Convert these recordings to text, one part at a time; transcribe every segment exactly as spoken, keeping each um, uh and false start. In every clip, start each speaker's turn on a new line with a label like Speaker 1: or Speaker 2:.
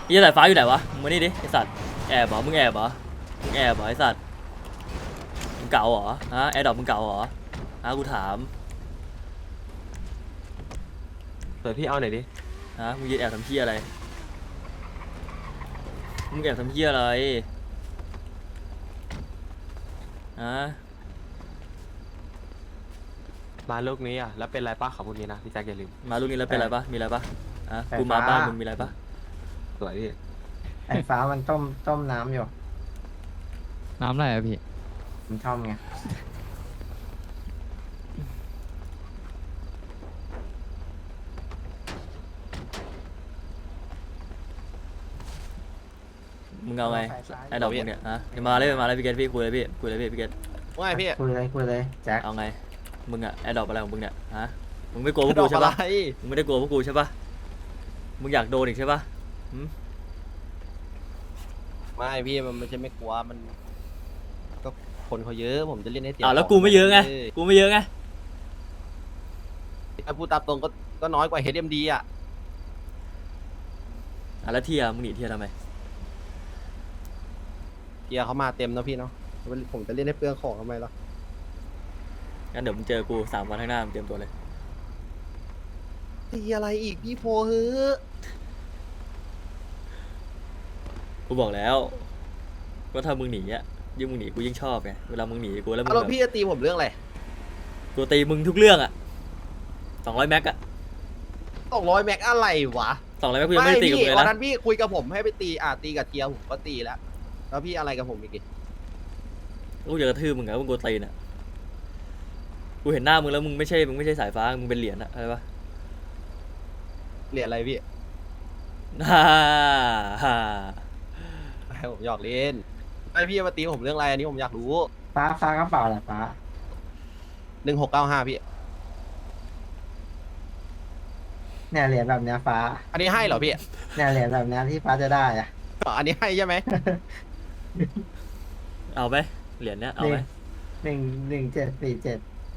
Speaker 1: ยี่สายฟ้าอยู่ไหนวะมึงมานี่ดิไอสัตว์แอบเหรอมึงแอบเหรอมึงแอบเหรอไอสัตว์มึงเก่าเหรอฮะแอร์ดรอปมึงเก่าเหรอฮะกูถาม
Speaker 2: เปิดพี่เอาหน่อยดิ
Speaker 1: ฮะมึงยืนแอบทำเพี้ยอะไรมึงแอบทำเพี้ยอะไรฮะ
Speaker 2: มาลูกนี้อ่ะแล้วเป็นไรป้าขอบคุณนี้นะพี่แจ็คอย่าลืม
Speaker 1: มาลูกนี้แล้วเป็นไรปะมีอะไรปะฮะกูมาบ้านมึงมีอะไรปะ
Speaker 2: สวยพี่
Speaker 3: ไอ้ฟ้ามันต้มต้มน้ำอยู่
Speaker 4: น้ำอะไรอะพี่
Speaker 3: มันชอบไง
Speaker 1: มึงเอาไงไอ้ดอกมึงเนี่ยฮะมาเลยมาเลยพี่เกตพี่คุยเลยพี่คุยเลยพี่พี่เกต
Speaker 5: ว่าไงพี่
Speaker 3: คุยเลยคุยเลยแจ็ค
Speaker 1: เอาไงมึงอะไอ้ดอกอะไรของมึงเนี่ยฮะมึงไม่กลัวพวกกูใช่ปะมึงไม่ได้กลัวพวกกูใช่ปะมึงอยากโดนอีกใช่ปะ
Speaker 5: ไม่พี่มันไม่ใช่ไม่กลัวมันก็คนเขาเยอะผมจะเล่นให้เต็ม
Speaker 1: อ่าแล้วกูไม่เยอะไงกูไม่เยอะไง
Speaker 5: ถ้าพูดตามตรงก็ก็น้อยกว่า เอช เอ็ม ดี อ่ะ
Speaker 1: อ่ะแล้วเทียมึงหนีเทียทำไม
Speaker 5: เกียร์เขามาเต็มนะพี่เนาะผมจะเล่นให้เปลืองของทำไมล่ะ
Speaker 1: งั้นเดี๋ยวมึงเจอกูสามวันข้างหน้ามึงเตรียมตัวเลย
Speaker 5: ตีอะไรอีกพี่โพเฮ้อ
Speaker 1: กูบอกแล้วว่าถ้ามึงหนีอ่ะยิ่งมึงหนีกูยิ่งชอบไงเวลามึงหนีกูแล้วมึง
Speaker 5: แล้ว
Speaker 1: แบบ
Speaker 5: พี่จะตีผมเรื่องอะไร
Speaker 1: กูตีมึงทุกเรื่องอ่ะสองร้อยแม็กอะ
Speaker 5: สองร้อยแม็กอะไรวะ
Speaker 1: สองร้อยแม็กกูยังไม่ได้ตีกับมึงเลยนะ
Speaker 5: วันนั้นพี่คุยกับผมให้ไปตีอ่ะตีกับเทียผมก็ตีแล้วแล้วพี่อะไรกับผมอีก
Speaker 1: กูอยากกระทืบมึงไงมึงกูตีน่ะกูเห็นหน้ามึงแล้วมึงไม่ใช่มึงไม่ใช่สายฟ้ามึงเป็นเหรียญอะอะไรปะ
Speaker 5: เหรียญอะไรพี่
Speaker 1: ฮ่าฮ่า
Speaker 5: ให้ผมหยอกเล่นไอพี่มาตีผมเรื่องอะไรอันนี้ผมอยากรู้
Speaker 3: ฟ้าฟ้ากระเป๋าแหละฟ้า
Speaker 5: หนึ่งหกเก้าห้าพี่
Speaker 3: เนี่ยเหรียญแบบเนี้ยฟ้า
Speaker 5: อันนี้ให้เหรอพี่
Speaker 3: เนี่ยเหรียญแบบเนี้ยที่ฟ้าจะได้อะ
Speaker 5: อันนี้ให้ใช่ไหม
Speaker 1: เอาไหมเหรียญเนี้ยเอาไหม
Speaker 3: หนึ่งหนึ่งเจ็ดสี่เจ็ด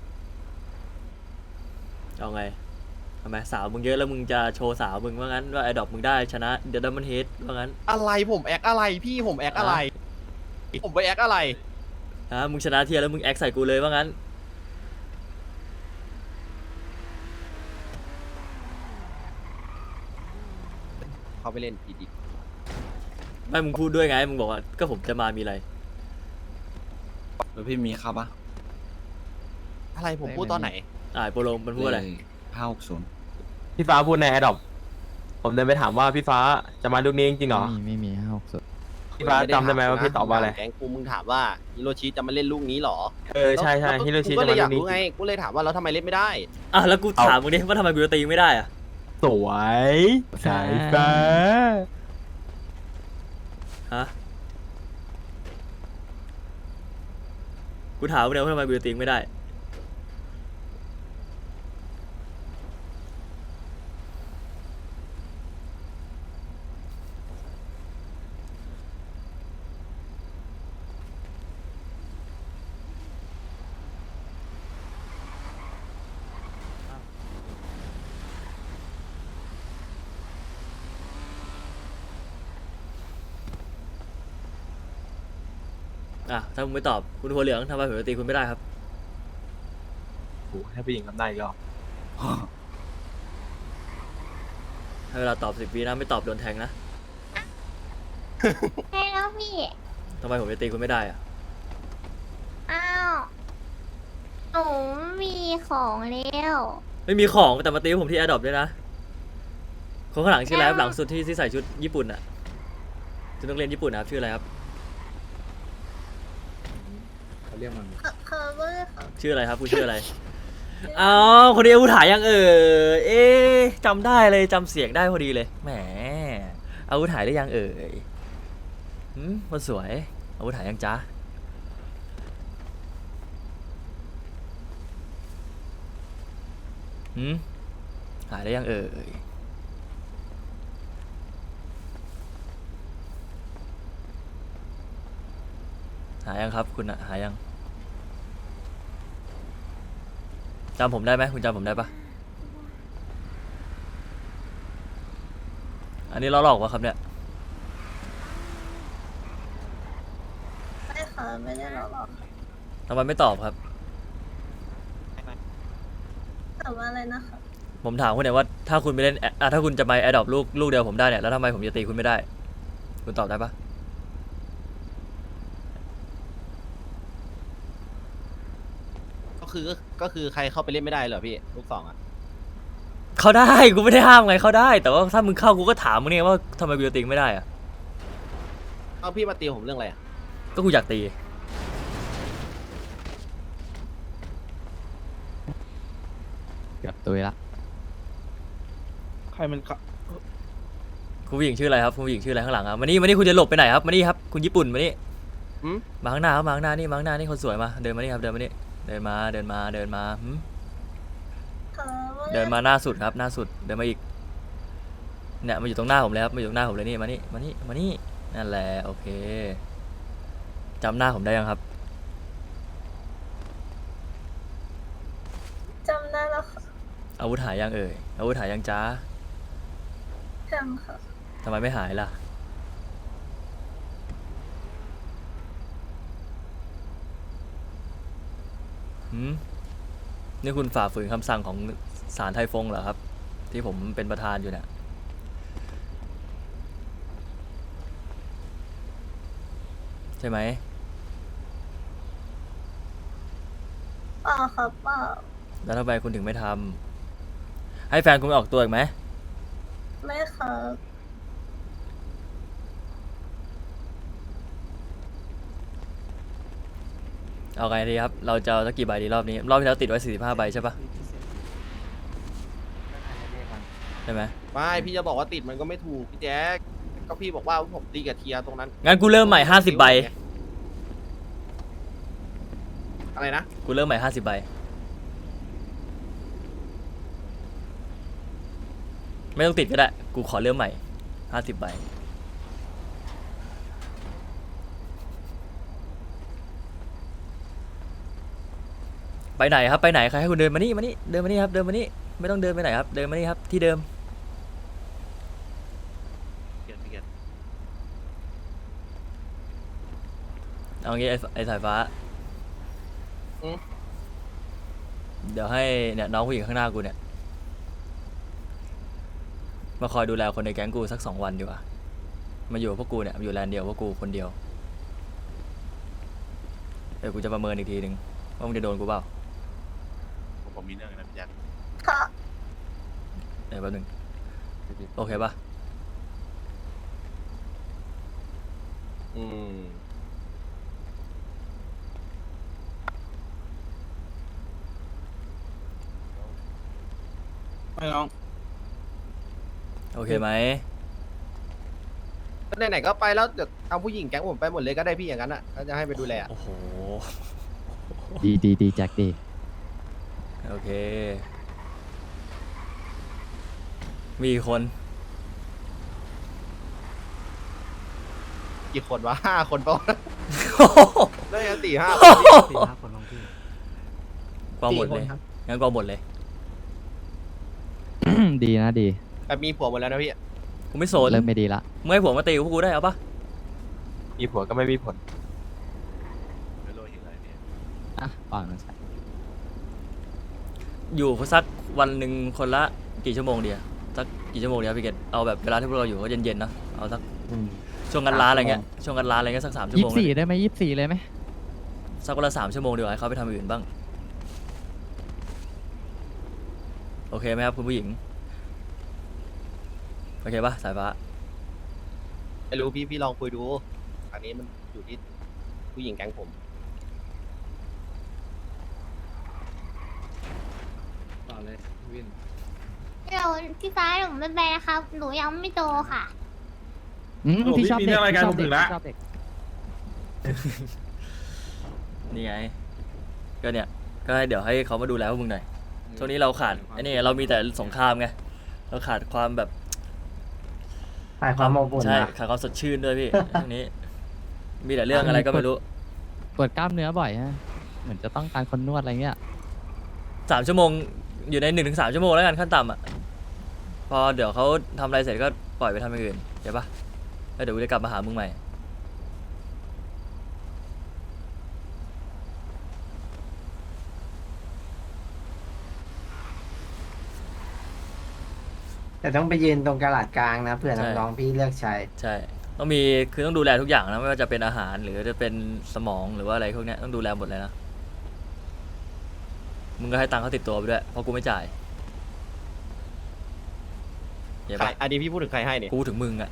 Speaker 1: เอาไงทำไมสาวมึงเยอะแล้วมึงจะโชว์สาวมึงว่างั้นว่าไอ้ดอกมึงได้ชนะเดี๋ยวดัมเบิลเฮดว่างั้น
Speaker 5: อะไรผมแอคอะไรพี่ผมแอคอะไรผมไปแอคอะไร
Speaker 1: ฮะมึงชนะเทียแล้วมึงแอคใส่กูเลยว่างั้น
Speaker 5: เขาไปเล่นอีดี
Speaker 1: ไม่มึงพูดด้วยไงมึงบอกว่าก็ผมจะมามีอะไร
Speaker 4: แล้วพี่มีครับปะ
Speaker 5: อะไรผมพูดตอนไหน
Speaker 1: อ่าโปโลมันพูดอะไร
Speaker 4: ห้าหกศูนย์
Speaker 2: พี่ฟ้าพูดในแอดดอปผมเดินไปถามว่าพี่ฟ้าจะมาลูกนี้จริงเหรอ
Speaker 4: ไม่มีไม่มีห้าหกศูนย์
Speaker 2: พี่ฟ้าจำได้ไหมว่าพี่ตอบว่าอะไร
Speaker 5: แกงกูมึงถามว่าฮิโรชิจะมาเล่นลูกนี้หรอ
Speaker 2: เออใช่ใช่ฮิโรชิจะ
Speaker 5: มา
Speaker 2: เล่นลูก
Speaker 5: นี้ไงกูเลยถามว่าแล้วทำไมเล่นไม่ได้
Speaker 1: อ่ะแล้วกูถามมึงดิว่าทำไมกูจะตีไม่ได้อ่ะ
Speaker 2: สวยสายฟ้า
Speaker 1: ฮะกูถามมึงเดียวว่าทำไมกูจะตีไม่ได้อ่ะถ้ามึงไม่ตอบคุณหัวเหลืองทำไมผมจะตีคุณไม่ได้ครับ
Speaker 2: โอ้ให้ผู้หญิงทำได้อีกรอบ
Speaker 1: ให้เวลาตอบสิบวินะไม่ตอบโดนแทงนะ
Speaker 6: ใช่แล้วพี่
Speaker 1: ทำไมผมจะตีคุณไม่ได้อ่ะ
Speaker 6: อ้าวหนูมีของแล้ว
Speaker 1: ไม่มีของแต่มาตีผมที่แอร์ดรอปด้วยนะคนข้างหลังชื่ออะไรครับหลังสุดที่ที่ใส่ชุดญี่ปุ่นอ่ะชุดนักเรียนญี่ปุ่นนะครับชื่ออะไรครับ
Speaker 3: เขาเรียกมัน
Speaker 6: เคอร์เวอร์ของ
Speaker 1: ชื่ออะไรครับคุณชื่ออะไรอ้าวคนนี้อาวุธหายยังเออเอ๊ะจำได้เลยจำเสียงได้พอดีเลยแหมอาวุธหายได้ยังเอ่ยหืมคนสวยอาวุธหายยังจ๊ะหืมหายได้ยังเอ่ยหายยังครับคุณอะหายยังจำผมได้ไหมคุณจำผมได้ปะอันนี้ล้อหลอกวะครับเนี่ย
Speaker 6: ไม่ได้หรอกหรอก
Speaker 1: ทำไมไม่ตอบครับ
Speaker 6: แต่ว่าอะไรนะคะ
Speaker 1: ผมถามคุณเนี่ยว่าถ้าคุณไปเล่นอ่ะถ้าคุณจะไปแอดดอปลูกลูกเดียวผมได้เนี่ยแล้วทำไมผมจะตีคุณไม่ได้ คุณตอบได้ปะ
Speaker 5: ก็คือก็คือใครเข้าไปเล่นไม่ได้เหรอพี่ลูกสองอ่ะ
Speaker 1: เขาได้กูไม่ได้ห้ามไงเขาได้ แต่ว่าถ้ามึงเข้ากูก็ถามมึงเนี่ยว่าทำไมกูจะตีไม่ได้อะ
Speaker 5: เอาพี่มาตีผมเรื่องอะไรอ่ะ
Speaker 1: ก็กูอยากตี
Speaker 4: เกือบตุยละ
Speaker 7: ใครมันขะ
Speaker 1: คุณผู้หญิงชื่ออะไรครับคุณผู้หญิงชื่ออะไรข้างหลังครับมานี่มานี่คุณจะหลบไปไหนครับมานี่ครับคุณญี่ปุ่นมานี่
Speaker 5: หืม
Speaker 1: มาข้างหน้าครับมาข้างหน้านี่มาข้างหน้านี่คนสวยมาเดินมานี่ครับเดินมานี่เดินมาเดินมาเดินมาหืม
Speaker 6: ค่ะว่า
Speaker 1: เดินมาหน้าสุดครับหน้าสุดเดินมาอีกเนี่ยมาอยู่ตรงหน้าผมเลยครับมาอยู่ตรงหน้าผมเลยนี่มานี่มานี่มานี่นั่นแหละโอเคจำหน้าผมได้ยังครับ
Speaker 6: จำได้แล้วค่ะ
Speaker 1: อาวุธหายยังเอ่ยอาวุธหายยังจ้า
Speaker 6: จำค่ะ
Speaker 1: ทำไมไม่หายล่ะหืมนี่คุณฝ่าฝืนคำสั่งของศาลไทฟงเหรอครับ ที่ผมเป็นประธานอยู่เนี่ยใช่ไหม
Speaker 6: เปล่าครับเปล่า
Speaker 1: แล้วทำไมคุณถึงไม่ทำให้แฟนคุณออกตัวอีกไหม
Speaker 6: ไม่ครับ
Speaker 1: เอาไงดีครับ เราจะเอาสักกี่ใบดีรอบนี้ รอบที่แล้วติดไว้สี่สิบห้าใบใช่ปะใช่ไหม
Speaker 5: ไม่พี่จะบอกว่าติดมันก็ไม่ถูกพี่แจ๊คก็พี่บอกว่าผมตีกับเทียตรงนั้น
Speaker 1: งั้นกูเริ่มใหม่ห้าสิบใบ
Speaker 5: อะไรนะ
Speaker 1: กูเริ่มใหม่ห้าสิบใบ ไม่ต้องติดก็ได้ กูขอเริ่มใหม่ห้าสิบใบ ไปไหนครับ ไปไหนใครให้คุณเดินมานี่มานี่ เดินมานี่ครับ เดินมานี่ ไม่ต้องเดินไปไหนครับ เดินมานี่ครับ ที่เดิม เอางี้ไอ้ไอ้สายฟ้า
Speaker 5: อืม
Speaker 1: เดี๋ยวให้เนี่ยน้องผู้หญิงข้างหน้ากูเนี่ย มาคอยดูแลคนในแก๊งกูสักสองวันดีกว่า มาอยู่กับพวกกูเนี่ยมาอยู่แลนด์เดียวพวกกูคนเดียว เดี๋ยวกูจะประเมินอีกทีหนึ่งว่ามึงจะโดนกูเปล่า
Speaker 7: ผมมีเรื่องนะพี่แจ็ค
Speaker 6: ค่ะ
Speaker 1: เดี๋ยวแป๊บหนึงโอเคปะ
Speaker 5: อืม
Speaker 7: ไม่น้อง
Speaker 1: โอเคไหม
Speaker 5: ก็ไหนๆก็ไปแล้วเดี๋ยวเอาผู้หญิงแก๊งผมไปหมดเลยก็ได้พี่อย่างนั้นอ่ะก็จะให้ไปดูแลอะ
Speaker 1: โอ้โห
Speaker 4: ดีดีดีแจ็คดี
Speaker 1: โอเค มีกี่คน
Speaker 5: กี่คนวะห้าคนปะได้ยังสี่ห้า
Speaker 7: สี่ห้าคนน้องพี่
Speaker 1: กองหมดเลย
Speaker 5: ครับ
Speaker 1: งั้นกองหมดเลย
Speaker 4: ดีนะดี
Speaker 5: แบบมีผัวหมดแล้วนะพี่
Speaker 1: กูไม่สน
Speaker 4: เริ่มไม่ดีละ
Speaker 1: มึงให้ผัวมาตีกับพวกกูได้เอาปะ
Speaker 2: มีผัวก็ไม่มีผล
Speaker 7: ไม่รู้ยังไงเนี่ย
Speaker 4: อ่ะก่อนมันใส่
Speaker 1: อยู่สักวันหนึ่งคนละกี่ชั่วโมงเดียวสักกี่ชั่วโมงเดียวพี่เกดเอาแบบเวลาที่พวกเราอยู่ก็เย็นๆนะเอาสักช่วงกันร้านอะไรเงี้ยช่วงกันร้านอะไรเงี้ยสักสามชั่ว
Speaker 4: ยี่
Speaker 1: โม
Speaker 4: สิ
Speaker 1: ง
Speaker 4: บสี่
Speaker 1: เลย
Speaker 4: ได้ไหมยี่สิบสี่เลยไหม
Speaker 1: สักวันละสามชั่วโมงดีกว่าให้เขาไปทำอย่างอื่นบ้างโอเคไหมครับคุณผู้หญิงโอเคปะสายฟ้า
Speaker 5: ไม่รู้พี่พี่ลองคุยดู อันนี้มันอยู่ที่ผู้หญิงแก๊งผม
Speaker 3: ต่อเลยวิน
Speaker 6: เดี๋ยวพี่ฟ้าหนูไม่ไปนะครับ หนูยังไม่โตค่ะ
Speaker 4: อืมพี่ชอบเด็กพี่ชอบเด็ก
Speaker 7: ถึงละ
Speaker 4: พี่ชอบเด็ก
Speaker 1: นี่ไงก็เนี่ยก็ให้เดี๋ยวให้เขามาดูแลพวกมึงหน่อยช่วงนี้เราขาดไอ้นี่เรามีแต่สงครามไงเราขาดความแบบ
Speaker 3: ถ่ายความอบอุ่น
Speaker 1: ใช่
Speaker 3: นะ
Speaker 1: ขาดความสดชื่นด้วยพี่ ช่วงนี้ มีแต่เรื่องอะไรก็ไม่รู้
Speaker 4: ปวดกล้ามเนื้อบ่อยฮะ เหมือนจะต้องการคนนวดอะไรเงี้ย
Speaker 1: สามชั่วโมงอยู่ในหนึ่งถึงสามชั่วโมงแล้วกันขั้นต่ำอ่ะพอเดี๋ยวเขาทำอะไรเสร็จก็ปล่อยไปทำอย่างอื่นเข้าปะแล้วเดี๋ยวกูจะกลับมาหามึงใหม่
Speaker 3: แต่ต้องไปยืนตรงกระดาษกลางนะเผื่อ
Speaker 1: ใช่
Speaker 3: น้องๆพี่เลือกใช้
Speaker 1: ใช่ ต้องมีคือต้องดูแลทุกอย่างนะไม่ว่าจะเป็นอาหารหรือจะเป็นสมองหรือว่าอะไรพวกเนี้ยต้องดูแลหมดเลยนะมึงก็ให้ตังค์เขาติดตัวไปด้วยเพราะกูไม่จ่ายเห็น
Speaker 5: ใคร
Speaker 1: ปะ
Speaker 5: อันนี้พี่พูดถึงใครให้เนี่ย
Speaker 1: กูถึงมึงอ่ะ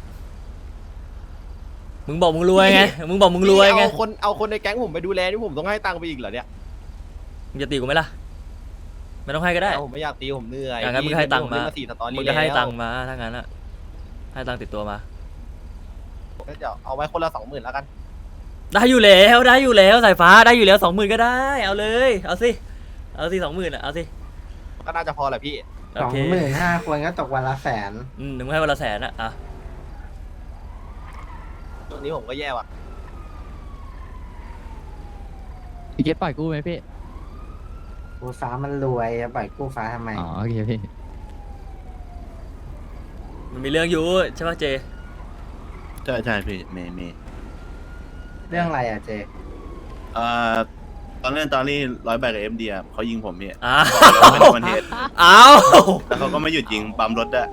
Speaker 1: มึงบอกมึงรวยไงมึงบอกมึงรวยไง
Speaker 5: เอาคนเอาคนในแก๊งผมไปดูแลนี่ผมต้องให้ตังค์ไปอีกเหรอเนี่ย
Speaker 1: มึงจะตีกูไหมล่ะไม่ต้องให้ก็ได้
Speaker 5: เอาผมไม่อยากตีผมเหนื่อย
Speaker 1: อย่างนั้นมึงให้ตังค์มา
Speaker 5: ผเล่นสี่สตอรี่
Speaker 1: มึงก็ให้
Speaker 5: แล้ว
Speaker 1: ตังค์มาถ้างั้นอ่ะให้ตังค์ติดตัวมา
Speaker 5: ก็จะเอาไว้คนละสองหมื่นแล้วกัน
Speaker 1: ได้อยู่แล้วได้อยู่แล้วสายฟ้าได้อยู่แล้วสองหมื่นก็ได้เอาเลยเอาสิเอาสิสองหมื่นอ่ะเอาสิ
Speaker 5: ก็น่าจะพอแหละพี่
Speaker 1: โอ
Speaker 3: สอง
Speaker 1: เค
Speaker 3: หมื่นห้าคนก็ตกวันละแสน
Speaker 1: อืมหนึ่งให้วันละแสนอ่ะอ่ะ
Speaker 5: ตรงนี้ผมก็แย่ว่ะ
Speaker 4: พี่เกตปล่อยกู้ไหมพี่
Speaker 3: กูฟ้ามันรวยจะปล่อยกู้ฟ้าทำไม
Speaker 4: อ๋อโอเคพี่
Speaker 1: มันมีเรื่องอยู่ใช่ป่ะเจ
Speaker 7: ใช่ใช่พี่เมย์เมย์
Speaker 3: เรื่องอะไรอ่ะเจ
Speaker 7: เอ่อตอนเล่นตอนนี้ร้อยใบกับเอ็มดีอ่ะเขายิงผมพี่
Speaker 1: อ้า
Speaker 7: ไม่
Speaker 1: ว
Speaker 7: ได้วันเทส
Speaker 1: อ้าว
Speaker 7: แล้วเขาก็ไม่หยุดยิงปั๊มรถด้วย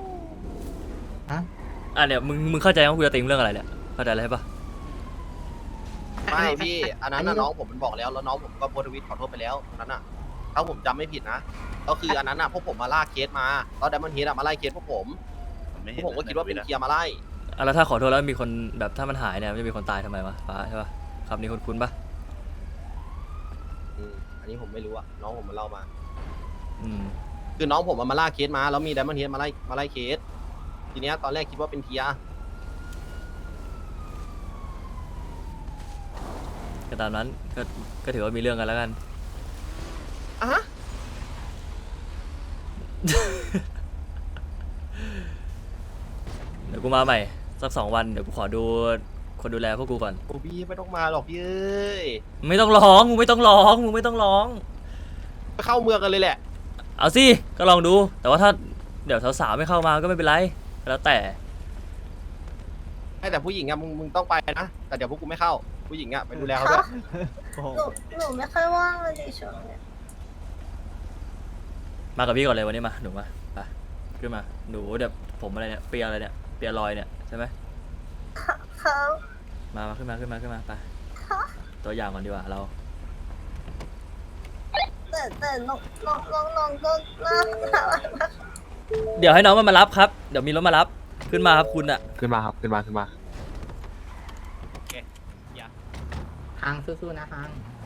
Speaker 1: อ่ะเนี่ยมึงมึงเข้าใจว่ากูจะติงเรื่องอะไรเนี่ยเข้าใจอะไรปะ
Speaker 5: ไม่พี่อันนั้นน่ะน้องผมมันบอกแล้วแล้วน้องผมก็โพสต์ทวิตขอโทษไปแล้วอันนั้นน่ะถ้าผมจำไม่ผิดนะก็คืออันนั้นน่ะพวกผมมาล่าเคสมาแล้วไดมอนด์เฮดอะมาไล่เคสพวกผม
Speaker 7: ผมไม่
Speaker 5: พ
Speaker 7: เห็
Speaker 5: วน กผมก็คิดว่าเป็น
Speaker 7: ใทวิตอะ
Speaker 5: เคลียร์มาไล่
Speaker 1: อ่ะแล้วถ้าขอโทษแล้วมีคนแบบถ้ามันหายเนี่ยมันจะมีคนตายทำไมวะฟ้าใช่ปะคำนี้คุ้นๆปะ
Speaker 5: อืมอันนี้ผมไม่รู้อะน้องผมมาเล่ามา
Speaker 1: อืม
Speaker 5: คือน้องผมอะมาล่าเคสมาแล้วมีไดมอนด์เฮดมาไล่มาไล่เคสทีเนี้ยตอนแรกคิดว่าเป็นเคลียร์
Speaker 1: ก็ตามนั้นก็ก็ถือว่ามีเรื่องกันแล้วกัน
Speaker 5: อ่ะฮะ
Speaker 1: เดี๋ยวกูมาใหม่สักสองวันเดี๋ยวกูขอดูคนดูแลพวกกูก่อน
Speaker 5: โอ้พี่ไม่ต้องมาหรอกพี่เอ้ย
Speaker 1: ไม่ต้องร้องมึงไม่ต้องร้องมึงไม่ต้องร้อง
Speaker 5: ไปเข้าเมืองกันเลยแหละ
Speaker 1: เอาสิก็ลองดู แต่ว่าถ้าเดี๋ยวสาวๆไม่เข้ามาก็ไม่เป็นไรแล้วแต่
Speaker 5: ให้แต่ผู้หญิงอะมึงมึงต้องไปนะแต่เดี๋ยวพวกกูไม่เข้าผู้หญิงอะไปดูแลเขาด้วย
Speaker 6: หนูหนูไม่ค่อยว่างเลยดิช่วงเนี้ย
Speaker 1: มากับพี่ก่อนเลยวันนี้มาหนูมาไปขึ้นมาหนูเดี๋ยวผมอะไรเนี่ยเปียอะไรเนี่ยเปียลอยเนี่ยใช่ไหม
Speaker 6: เขา
Speaker 1: มามาขึ้นมาขึ้นมาขึ้นมาไปตัวอย่างก่อนดีกว่าเรา
Speaker 6: แต่แต่น้องน้องน้องน้องก็น่ารักมาก
Speaker 1: เดี๋ยวให้น้องมันมารับครับเดี๋ยวมีรถมารับขึ้นมาครับคุณอะ
Speaker 2: ขึ้นมาครับขึ้นมาขึ้นมา
Speaker 3: ฮังสู้ๆนะฮัง